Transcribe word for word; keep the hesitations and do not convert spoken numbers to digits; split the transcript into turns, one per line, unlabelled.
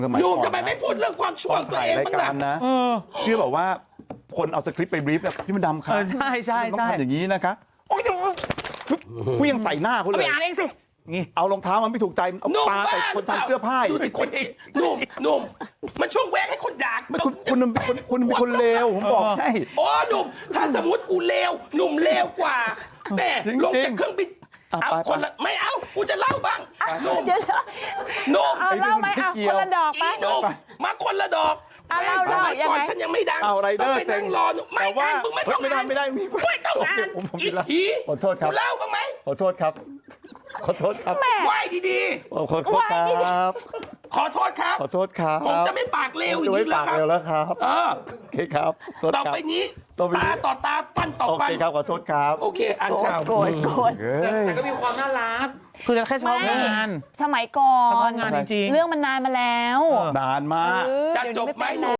หนุ่มทำไมไม่พูดเรื่องความชั่วตัวเองบ้างล่ะ
นะที่บอกว่าคนเอาสคริปต์ไปบรีฟเนี่ยพี่มันดำครับ
ใช่ใช่
ต้องทำอย่างนี้นะคะผู้ยังใส่หน้าเขาเลย
ไปอ่านเองสิ
นี่เอารองเท้ามันไม่ถูกใจเอาปาแต่คนทำเสื้อผ้าอยู่
ดูสิคนหนุ่มหนุ่มมันช่วงแวกให้คนด่า
ไม่คุณคุณเป็นคนคุณเป็นคนเลวผมบอกให้
โอ้หนุ่มถ้าสมมติกูเลวหนุ่มเลวกว่าแม่ลงจากเครื่องบินเอาคนละไม่เอากูจะเล่าบ้างหนุ่มหนุ่ม
เอาเล่าไหมเอาคนละดอกไป
หนุ่มมาคนละดอก
เอาเล่า
สมัยก่อนฉันยังไม่ดัง
เอาไรเดอร์
ไปนั่งรอไม่อ่านมึงไม่ต้อง
ไม่ได้
อ่าน
ไม่ได้
ไม่ต้องอ่านอีกที
ขอโทษครับ
เล่าบ้างไหม
ขอโทษครับขอโทษครับ
ไหว้ดี
ขอโทษครับ
ๆขอโทษครับ
ขอโทษครับ
ผมจะไม่ปากเลวอี
จะ
ก
ไม่
แล้
ปาว ก
ครับ
เร็วแล้วครับ
เออ
โอเคครับโทษ
ต่อ
ครับ
ไปนี้
ต่อไปนี้
ตาต่อตาฟันต่อ
โอ
ฟัน
เคครับขอโทษครับ
โอเคอ่านข่าว
โกรธโกรธ
เฮ้ย
แต่ก็มีความน่ารักคือแค่ชอบงาน
สมัยก่อ
ชอน บงานจริงๆ
เรื่องมันนานมาแล้ว
นานมาก
เออ
จะ
เดี๋ยว
จ
นี้
บ
ไม่
ไหม
เป็น
หนู